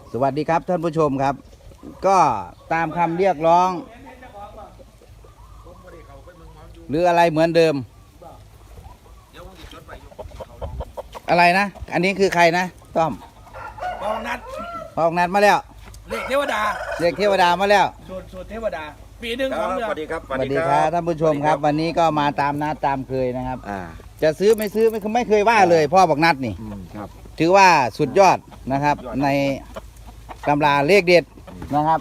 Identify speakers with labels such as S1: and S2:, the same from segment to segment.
S1: สวัสดีครับท่านผู้ชมครับ ก็ตามคำเรียกร้อง หรืออะไรเหมือนเดิม อะไรนะ อันนี้คือใครนะต้อม
S2: พองนัด
S1: พอกนัดมาแล้ว
S2: เลขเทวดา
S1: เรียกเทวดามาแล้ว
S2: สูตรเทวดา ปีหนึ่งของเดือน
S3: สวัสดีครับ
S1: สวัสดีครับท่านผู้ชมครับ วันนี้ก็มาตามนัดตามเคยนะครับ
S3: อ่า
S1: จะซื้อไม่ซื้อไม่เคยว่าเลยพ่อบอกนัดนี่
S3: ครับ
S1: ถือว่าสุดยอดนะครับ ในตำราเลขเด็ดนะครับ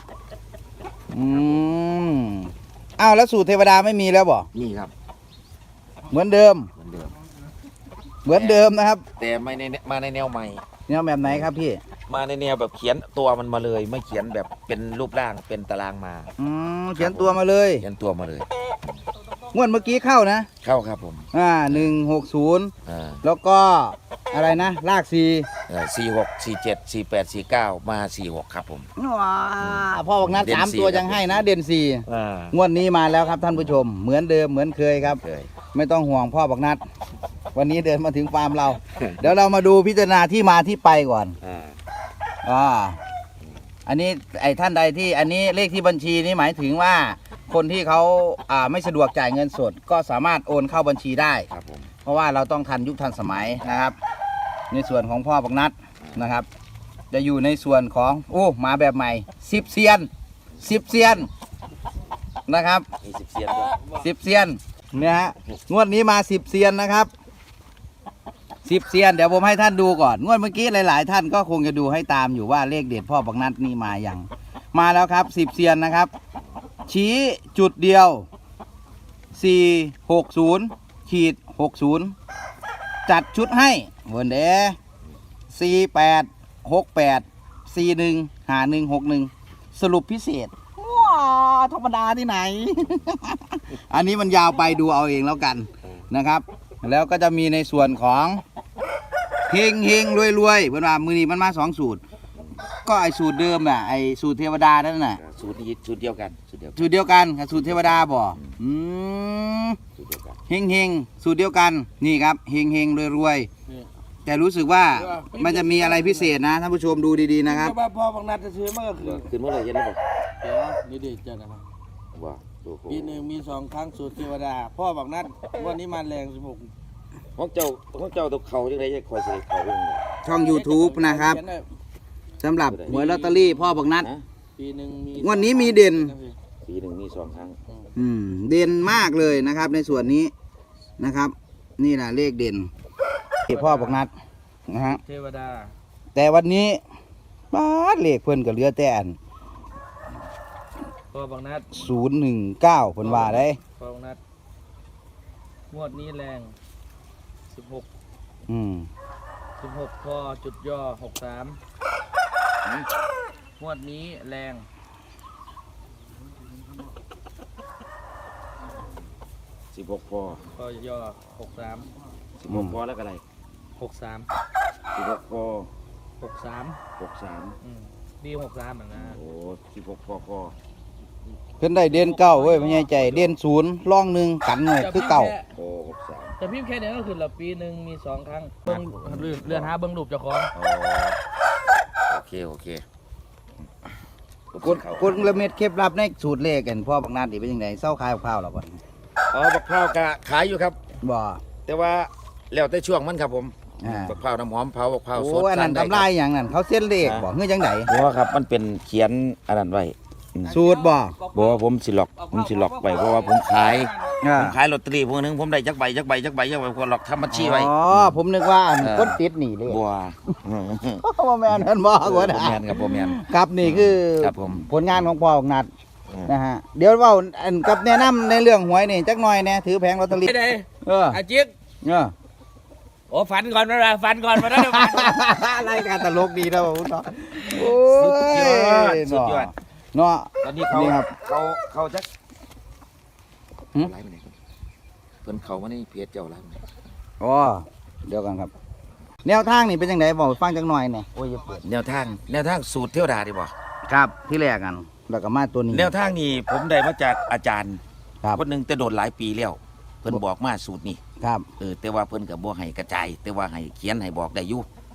S1: อ้าวแล้วสูตรเทวดาไม่มีแล้วบ่
S3: นี่ครับ
S1: เหมือนเดิม
S3: เหมือนเดิม
S1: เหมือนเดิมนะครับ
S3: แต่ไม่ในมาในแนวใหม่
S1: เนี่ยแบบไหนครับพี่
S3: มาในแนวแบบเขียนตัวมันมาเลย ไม่เขียนแบบเป็นรูปร่างเป็นตารางมา
S1: เขียนตัวมาเลย
S3: เขียนตัวมาเลย
S1: งวดเมื่อกี้เข้านะ
S3: เข้าครับผม
S1: 160
S3: อ่า
S1: แล้วก็อะไรนะลาก4
S3: 46 47 48 49 มา46ครับผม
S1: ว้าพ่อบอกนัด
S3: เด่น
S1: 3 ตัว
S3: 4
S1: ยังให้นะ เด่น
S3: อ่า
S1: 4งวดนี้มาแล้วครับท่านผู้ชม เหมือนเดิมเหมือนเคยครับ
S3: เคย
S1: ไม่ต้องห่วงพ่อบอกนัด วันนี้เดินมาถึงฟาร์มเรา เดี๋ยวเรามาดูพิจารณาที่มาที่ไปก่อน อันนี้ไอ้ท่านใดที่อันนี้เลขที่บัญชีนี่หมายถึงว่าคนที่เขาไม่สะดวกจ่ายเงินสด ก็สามารถโอนเข้าบัญชีได้
S3: ครับผม
S1: เพราะว่าเราต้องทันยุคทันสมัยนะครับ ในส่วนของพ่อบักนัดนะครับ จะอยู่ในส่วนของมาแบบใหม่10 เซียน10 เซียนนะครับ
S3: มี10เสียนด้วย
S1: 10 เซียนเนี่ยฮะงวดนี้มา10 เซียนนะครับ10 เซียนเดี๋ยวผมให้ท่านดูก่อนงวดเมื่อกี้หลาย ๆ ท่านก็คงจะดูให้ตามอยู่ว่าเลขเด็ดพ่อบักนัดนี่มาอย่างมาแล้วครับ10 เซียนนะครับ ชี้จุดเดียว460ขีด60จัดชุดให้เวิร์นเด4868415161สรุปพิเศษว้าธรรมดาที่ไหน อันนี้มันยาวไปดูเอาเองแล้วกันนะครับ แล้วก็จะมีในส่วนของเฮงเฮงรวยรวยเพื่อนว่ามือนี้มันมา2 สูตร ก็ไอสูตรเดิมน่ะไอสูตรเทวดานั่นน่ะ
S3: สูตรนี้สูตรเดียวกันสูตรเดียวกัน
S1: สูตรเดียวกันกับสูตรเทวดาบ่ม
S3: สูตรเดียวกัน
S1: เฮงเฮงสูตรเดียวกันนี่ครับเฮงเฮงรวยรวยแต่รู้สึกว่ามันจะมีอะไรพิเศษนะท่านผู้ชมดูดีๆนะครับ
S2: ว่าพอพองนัดจะซื้อเมื่อคืน
S3: ขึ้นมาเลยเห็นไหมบอก
S2: เดี๋ยวนี่ดิจะนะครับ
S3: ว่าโอ้โห
S2: ปีหนึ่งมี2 ครั้งสูตรเทวดา พ่อบอกนัดวันนี้มาแรง16
S3: ของเจ้าตัวเขาจังไรจะคอยเสด็จเขาเรื่องนี้
S1: ช่อง YouTube นะครับสำหรับหวยลอตเตอรี่พ่อบักนัด
S3: นะ
S2: ปีหนึ่งมี
S1: งวดนี้มีเด่น
S3: ปีหนึ่งมี2 ครั้ง
S1: เด่นมากเลยนะครับ ในส่วนนี้นะครับ นี่แหละเลขเด่นที่พ่อบักนัดนะฮะ
S2: เทวดา
S1: แต่วันนี้บ้าดเลขเพิ่นก็เหลือแต่อัน
S2: พ่อบอกนัด
S1: 019เพิ่นว่าได้
S2: พ่อบอกนัดงวดนี้แรง16
S1: อืม
S2: 16พอจุดย่อ63งวดนี้แรง
S3: 16 พอ
S2: พอย่อ63
S3: 16 พอแล้วก็อะไร
S2: 63
S3: 16 พอ
S2: 63
S3: 63
S2: ปี63เหมือนกัน
S3: โอ้16 พอพอ
S1: เพิ่นได้เด่นเก้าเว้ยไม่ใช่ใจเด่น0ร่องหนึ่งกันหน่อยคือเก่า
S3: โอ้63
S2: แต่พิมพ์แค่นี้ก็คือละปีหนึ่งมี2 ครั้งเบิ่งเรือนหาเบิ่งรูปเจ้าของ
S3: อ๋อโอเคโอเค
S1: กดละเม็ดเคล็ดลับในสูตรเลขกันพ่อบักนัดนี่เป็นยังไงเศร้าขายข้าวแล้วบ่
S3: บักพร้าวก็ขายอยู่ครับ
S1: บ่
S3: แต่ว่าแล้วแต่ช่วงมันครับผม
S1: อ่า
S3: บักพร้าวน้ำหอมเผาบักพร้าวสด
S1: โอ้อันนั้น
S3: สั่ง
S1: ทำลายอย่างนั้นเขาเส้นเลขบ่เฮือจังได
S3: เพราะว่าครับมันเป็นเขียนอันนั้นไว้
S1: สูตรบ่
S3: บอกว่าผมสิล็อกไปเพราะว่าผมขาย
S1: อ่า
S3: ผมขายลอตเตอรี่พวกนึงผมได้จักใบคนหลอกทำบัญชีไว้
S1: อ๋อผมนึกว่าอัน
S3: เออ
S1: คนติดหนี่เลย
S3: บัว
S1: บ่แม่นนั่นบ่กว่า
S3: บ่แมนครับบ่แมน
S1: ครับนี่คือ
S3: ครับผม
S1: ผลงานของพ่อบักนัด
S3: อืม
S1: นะฮะเดี๋ยวเว้าอันกับแนะนำในเรื่องหวยนี่จักหน่อยแน่ถือแผงลอตเตอรี่
S2: ไม่ได้
S1: เออ
S2: อาจิ๊ก
S1: เออ
S2: โอ้ฝันก่อนมาฝันก่อนมาได้ฝัน
S1: รายการตลกดีนะผมเนาะโอ้
S3: สุดยอด
S1: เนาะ
S3: ตอนนี้เขา
S1: นี่ครับ
S3: เขาจัก
S1: หืม
S3: ไลฟ์ไปไหนครับเพิ่นเขามาในเพจเจ้าไลฟ์ไปไหน
S1: อ๋อเดี๋ยวกันครับ แนวทางนี่เป็นยังไงบอกฟังจักหน่อยเนี่ยโอ้ยอย่าเปิด
S3: แนวทางสูตรเทวดาดีบ่
S1: ครับที่แรกกันแล้วก็มาตัวนี้
S3: แนวทางนี้ผมได้มาจากอาจารย์
S1: ครับ
S3: คนหนึงแต่โดนหลายปีแล้ว เพิ่นบอกมาสูตรนี้
S1: ครับ
S3: แต่ว่าเพิ่นก็บ่ให้กระจาย แต่ว่าให้เขียนให้บอกได้อยู่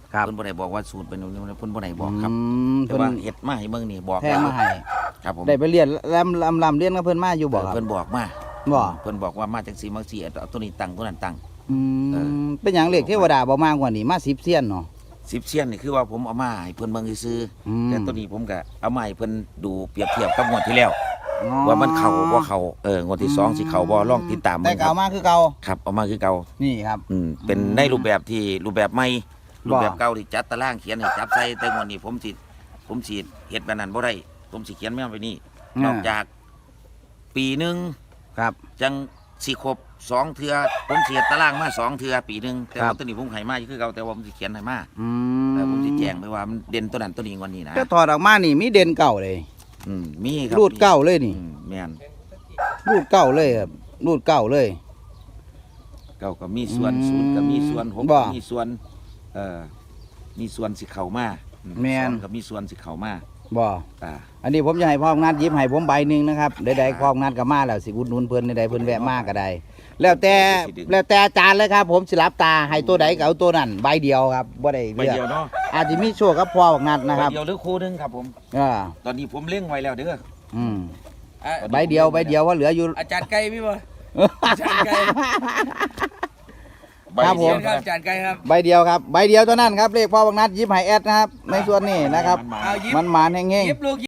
S1: ครับ
S3: เพิ่นบ่ได้บอกว่าสูตรเป็นเพิ่นบ่ได้บอกครับ แต่
S1: เพิ่น
S3: ว่าเฮ็ดมาให้เบิ่งนี่บอก
S1: แท้มาให้
S3: ครับผม
S1: ได้ไปเรียนลำเรียนกับเพิ่นมาอยู่บ่ครับ
S3: เพิ่นบอกมา
S1: บ่
S3: เพิ่นบอกว่ามาจังซี่มาซี่เอาตัวนี้ตั้งตัวนั้นตั้ง
S1: อื
S3: เออ
S1: มเป็นหยังเลขเทวดาบ่มากกว่านี้มา10เซียนเนาะ
S3: 10เซียนนี่คือว่าผมเอามาให้เพิ่นเบิ่งซื่อ
S1: อืม
S3: ๆแต่ตัวนี้ผมก็เอามาให้เพิ่นดูเปรียบเทียบกับงวดที่แล้ว ว่ามันเข้าบ่เข้างวดที่2สิเข้าบ่ลองติดตาม
S1: แต่
S3: เบิ่งค
S1: เก่า
S3: รับ
S1: มาคือเก่า
S3: ครับเอามาคือเก่า
S1: นี่ครับ
S3: เป็นในรูปแบบที่รูปแบบใหม่
S1: บ่
S3: รูปแบบเก่าที่จัดตารางเขียนให้จับใส่แต่งวดนี้ผมสิเฮ็ดแบบนั้นบ่ได้ผมสิเขียนแม่นไปนี่นอกจากปีหนึง
S1: ครับ
S3: จังสิครบ2เทื่อผมสิเฮ็ดตารางมา2เทื่อปีหนึงแต่
S1: ครั
S3: ว่า
S1: บ
S3: ตัวนี้ผมให้มาอยู่คือเก่าแต่ว่าผมสิเขียนให้มา
S1: อื
S3: แต่ผมสิแจ้งไปว่ามันเด่นตัวนั้นตัวนี้งวันนี้นะ
S1: ก็ถอดออกมานี่มีเด่นเก่าเลย
S3: มีครับ
S1: รูดเก่าเลยนี่
S3: แม่น
S1: รูดเก่าเลยครับรูดเก่าเลย
S3: เก่าก็มีส่วน
S1: อืม
S3: ศูนย์ก็มีส่วนหก
S1: บ่
S3: ก็มีส่วนมีส่วนสิเข้ามา
S1: แม่น
S3: สองก็มีส่วนสิเข้ามา
S1: บ่
S3: อ่า
S1: อันนี้ผมจะให้พ่อนัดหยิบให้ผมใบหนึ่งนะครับใดๆพ่อนัดก็มาแล้วสิอุดหนุนเพิ่นใดๆเพิ่นแวะมาก็ได้แล้วแต่อาจารย์เลยครับ ผมสิรับตาให้ตัวใดก็เอาตัวนั้นใบเดียวครับบ่ได้
S3: ใบ
S1: เลือก
S3: เดียวเนาะ
S1: อาจจะมีโชคกับพ่อนัดนะครับ
S3: ใบเดียวหรือคู่หนึงครับผม
S1: อ่า
S3: ตอนนี้ผมเลี้ยงไว้แล้วเด้อ
S1: อืม
S2: อ่ะ
S1: ใบเดียวว่าเหลืออยู่
S2: อาจารย์ไก่พี่บ่อาจารย์ไก่
S3: ใบ
S1: ครับผ
S3: เดีย
S1: ม
S3: ว
S2: ครับอาจารย์ไก่ครับ
S1: ใบเดียวครับใบเดียวเท่านั้นครับเลขพ่อนัดหยิบให้แอดนะครับในส่วนนี้นะครับ
S3: มันมา
S2: เอายิบ
S1: มันหมานแห้ง
S2: ยิบลูก